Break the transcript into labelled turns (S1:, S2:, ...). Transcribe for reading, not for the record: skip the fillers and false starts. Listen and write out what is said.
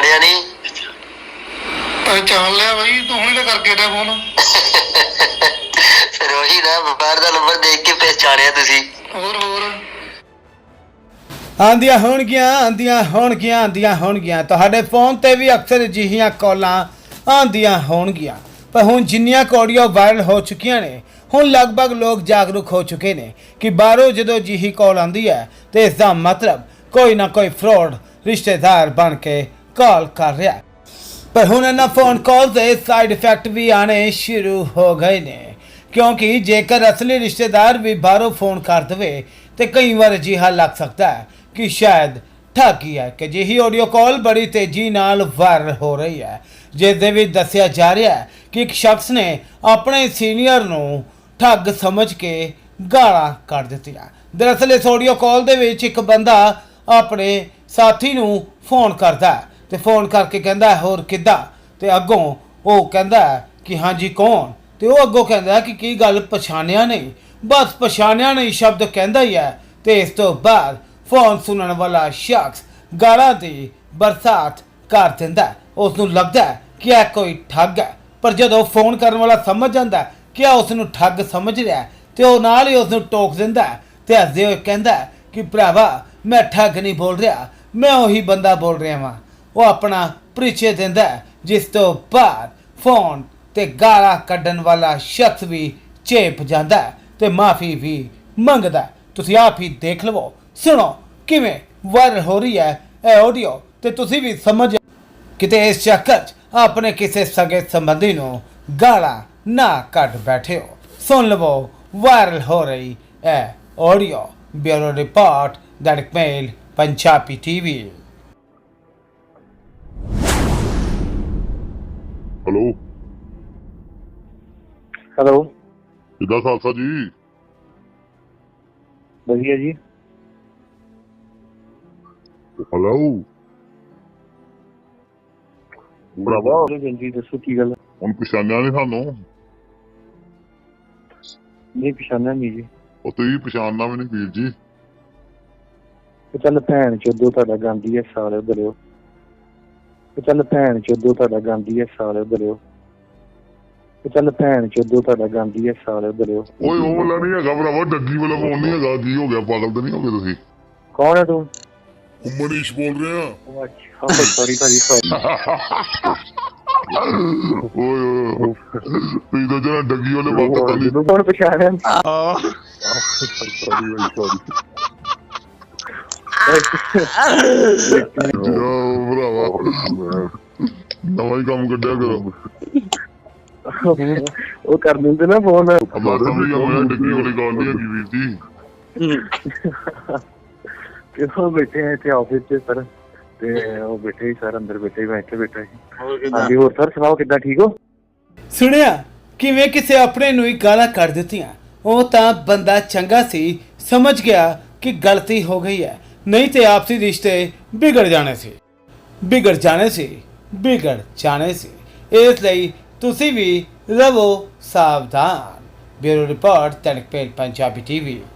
S1: ਪਛਾਣਿਆ ਨਹੀਂ?
S2: पहचान लिया भाई, तू ही तो करके दे फोन।
S1: ਫਿਰ ਉਹੀ ਨਾ, ਬਾਹਰ ਦਾ ਨੰਬਰ ਦੇਖ ਕੇ ਪਛਾਣਿਆ ਤੁਸੀਂ।
S2: ਹੋਰ
S3: ਆਉਂਦੀਆਂ ਹੋਣਗੀਆਂ ਤੁਹਾਡੇ ਫੋਨ ਤੇ ਵੀ ਅਕਸਰ ਅਜਿਹੀਆਂ ਕਾਲਾਂ ਆਉਂਦੀਆਂ ਹੋਣਗੀਆਂ। ਪਰ ਹੁਣ ਜਿੰਨੀਆਂ ਆਡੀਓ ਵਾਇਰਲ ਹੋ ਚੁੱਕੀਆਂ ਨੇ, ਹੁਣ ਲਗਭਗ ਲੋਕ ਜਾਗਰੂਕ ਹੋ ਚੁੱਕੇ ਨੇ ਕਿ ਬਾਹਰੋਂ ਜਦੋਂ ਅਜਿਹੀ ਕਾਲ ਆਉਂਦੀ ਹੈ ਤੇ ਇਸ ਦਾ ਮਤਲਬ ਕੋਈ ਨਾ ਕੋਈ ਫਰੋਡ ਰਿਸ਼ਤੇਦਾਰ ਬਣ ਕੇ ਕਾਲ ਕਰ ਰਿਹਾ। ਪਰ ਹੁਣ ਇਹਨਾਂ ਫੋਨ ਕਾਲ ਦੇ ਸਾਈਡ ਇਫੈਕਟ ਵੀ ਆਣੇ ਸ਼ੁਰੂ ਹੋ ਗਏ ਨੇ, ਕਿਉਂਕਿ ਜੇਕਰ ਅਸਲੀ ਰਿਸ਼ਤੇਦਾਰ ਵੀ ਬਾਹਰੋਂ ਫੋਨ ਕਰ ਦੇਵੇ ਤੇ ਕਈ ਵਾਰ ਅਜਿਹਾ ਲੱਗ ਸਕਦਾ ਹੈ ਕਿ ਸ਼ਾਇਦ ਠੱਗੀ ਹੈ। ਕਿ ਜਿਹੀ ਆਡੀਓ ਕਾਲ ਬੜੀ ਤੇਜ਼ੀ ਨਾਲ ਵਾਇਰਲ ਹੋ ਰਹੀ ਹੈ, ਜਿਸ ਦੇ ਵਿੱਚ ਦੱਸਿਆ ਜਾ ਰਿਹਾ ਹੈ ਕਿ ਇੱਕ ਸ਼ਖਸ ਨੇ ਆਪਣੇ ਸੀਨੀਅਰ ਨੂੰ ਠੱਗ ਸਮਝ ਕੇ ਗਾਲਾਂ ਕੱਢ ਦਿੱਤੀਆਂ। ਦਰਅਸਲ ਇਸ ਆਡੀਓ ਕਾਲ ਦੇ ਵਿੱਚ ਇੱਕ ਬੰਦਾ ਆਪਣੇ ਸਾਥੀ ਨੂੰ ਫੋਨ ਕਰਦਾ ਹੈ ਤੇ ਫੋਨ ਕਰਕੇ ਕਹਿੰਦਾ ਹੋਰ ਕਿੱਦਾਂ, ਤੇ ਅੱਗੋਂ ਉਹ ਕਹਿੰਦਾ ਕਿ ਹਾਂਜੀ ਕੌਣ, ਤੇ ਉਹ ਅੱਗੋਂ ਕਹਿੰਦਾ ਕਿ ਕੀ ਗੱਲ ਪਛਾਣਿਆ ਨਹੀਂ, ਬਸ ਪਛਾਣਿਆ ਨਹੀਂ ਸ਼ਬਦ ਕਹਿੰਦਾ ਹੀ ਹੈ। ਤੇ ਇਸ ਤੋਂ ਬਾਅਦ ਫੋਨ ਸੁਣਨ ਵਾਲਾ ਸ਼ਖਸ ਗਾਲਾਂ ਦੀ ਬਰਸਾਤ ਕਰ ਦਿੰਦਾ। ਉਸ ਨੂੰ ਲੱਗਦਾ ਕਿ ਇਹ ਕੋਈ ਠੱਗ ਹੈ, ਪਰ ਜਦੋਂ ਫੋਨ ਕਰਨ ਵਾਲਾ ਸਮਝ ਜਾਂਦਾ ਕਿ ਉਸ ਨੂੰ ਠੱਗ ਸਮਝ ਰਿਹਾ ਤੇ ਉਹ ਨਾਲ ਹੀ ਉਸ ਨੂੰ ਟੋਕ ਦਿੰਦਾ ਤੇ ਹੱਸਦੇ ਹੋਏ ਕਹਿੰਦਾ ਕਿ ਭਰਾਵਾ ਮੈਂ ਠੱਗ ਨਹੀਂ ਬੋਲ ਰਿਹਾ, ਮੈਂ ਉਹੀ ਬੰਦਾ ਬੋਲ ਰਿਹਾ ਵਾਂ। ਉਹ ਆਪਣਾ ਪਰਿਚੈ ਦਿੰਦਾ, ਜਿਸ ਤੋਂ ਬਾਅਦ ਫੋਨ ਤੇ ਗਾਲਾਂ ਕੱਢਣ ਵਾਲਾ ਸ਼ਖਸ ਵੀ ਚੇਪ ਜਾਂਦਾ ਤੇ ਮਾਫੀ ਵੀ ਮੰਗਦਾ। ਤੁਸੀਂ ਆਪ ਹੀ ਦੇਖ ਲਵੋ, ਸੁਣੋ ਕਿਵੇਂ ਵਾਇਰਲ ਹੋ ਰਹੀ ਹੈ ਇਹ ਆਡੀਓ, ਤੇ ਤੁਸੀਂ ਵੀ ਸਮਝ ਕਿਤੇ ਇਸ ਚੱਕਰ 'ਚ ਆਪਣੇ ਕਿਸੇ ਸਗੇ ਸੰਬੰਧੀ ਨੂੰ ਗਾਲਾਂ ਨਾ ਕੱਢ ਬੈਠੇ ਹੋ। ਸੁਣ ਲਵੋ ਵਾਇਰਲ ਹੋ ਰਹੀ ਇਹ audio. Bureau report, Dainik mail Punjabi TV.
S4: Hello
S5: hello,
S4: ਕਿੱਦਾਂ ਖਾਲਸਾ ਜੀ?
S5: ਵਧੀਆ ਜੀ।
S4: ਹੈਲੋ ਭਰਾਵਾ,
S5: ਜਲਦੀ ਦੱਸੋ ਕੀ ਗੱਲ?
S4: ਹੁਣ ਪਛਾਣਿਆ ਨਹੀਂ ਸਾਨੂੰ?
S5: ਨਹੀਂ ਪਛਾਣਿਆ ਨਹੀਂ ਜੀ।
S4: ਉਹ ਤੁਸੀਂ ਪਛਾਣਨਾ ਵੀ ਨਹੀਂ ਵੀਰ ਜੀ।
S5: ਤੇ ਚੱਲ ਭੈਣ ਚੋਦੋ ਤੁਹਾਡਾ ਗਾਂਧੀ ਹੈ ਸਾਲੇ ਬਲਿਓ। ਤੇ ਚੱਲ ਭੈਣ ਚੋਦੋ ਤੁਹਾਡਾ ਗਾਂਧੀ ਹੈ ਸਾਲੇ ਬਲਿਓ। ਤੇ ਚੱਲ ਭੈਣ ਚੋਦੋ ਤੁਹਾਡਾ ਗਾਂਧੀ ਹੈ ਸਾਲੇ ਬਲਿਓ।
S4: ਓਏ ਉਹ ਵਾਲਾ ਨਹੀਂ ਹੈਗਾ ਭਰਾਵਾ, ਡੱਗੀ ਵਾਲਾ ਫੋਨ ਨਹੀਂ ਹੈਗਾ। ਕੀ ਹੋ ਗਿਆ, ਪਾਗਲ ਤਾਂ ਨਹੀਂ ਹੋ ਗਏ ਤੁਸੀਂ?
S5: ਕੌਣ ਹੈ ਤੂੰ?
S4: ਮਨੀਸ਼ ਬੋਲ ਰਿਹਾ।
S5: ਅੱਛਾ ਸੌਰੀ ਭਾਜੀ, ਸੌਰੀ।
S4: ਓਏ ਤੁਸੀਂ ਤਾਂ ਜਿਹੜਾ ਡੱਗੀ ਵਾਲੇ ਵਕਤ ਵਾਲੀ।
S5: ਕੌਣ ਪਛਾਣਿਆ?
S4: ਭਰਾਵਾ ਨਵਾਂ ਹੀ ਕੰਮ ਕੱਢਿਆ ਕਰੋ।
S5: ਉਹ ਕਰ ਦਿੰਦੇ ਨਾ ਫੋਨ।
S4: ਡੱਗੀ ਵਾਲੀ ਗੱਲ ਨਹੀਂ ਹੈਗੀ ਵੀਰ ਜੀ।
S5: ਉਹ ਬੈਠੇ ਆ ਇੱਥੇ ਆਫਿਸ 'ਚ ਸਰ, ਤੇ ਉਹ ਬੈਠੇ ਸਰ ਅੰਦਰ ਬੈਠੇ, ਮੈਂ ਇੱਥੇ ਬੈਠਾ ਸੀ। ਹਾਂਜੀ ਹੋਰ ਸਰ ਸੁਣਾਓ, ਕਿੱਦਾਂ ਠੀਕ ਹੋ?
S3: ਸੁਣਿਆ ਕਿਵੇਂ ਕਿਸੇ ਆਪਣੇ ਨੂੰ ਹੀ ਗਾਲਾਂ ਕੱਢ ਦਿੱਤੀਆਂ। ਉਹ ਤਾਂ ਬੰਦਾ ਚੰਗਾ ਸੀ, ਸਮਝ ਗਿਆ ਕਿ ਗਲਤੀ ਹੋ ਗਈ ਹੈ, ਨਹੀਂ ਤੇ ਆਪਸੀ ਰਿਸ਼ਤੇ ਵਿਗੜ ਜਾਣੇ ਸੀ। ਇਸ ਲਈ ਤੁਸੀਂ ਵੀ ਰਹੋ ਸਾਵਧਾਨ। Bureau report, Dainik mail Punjabi TV.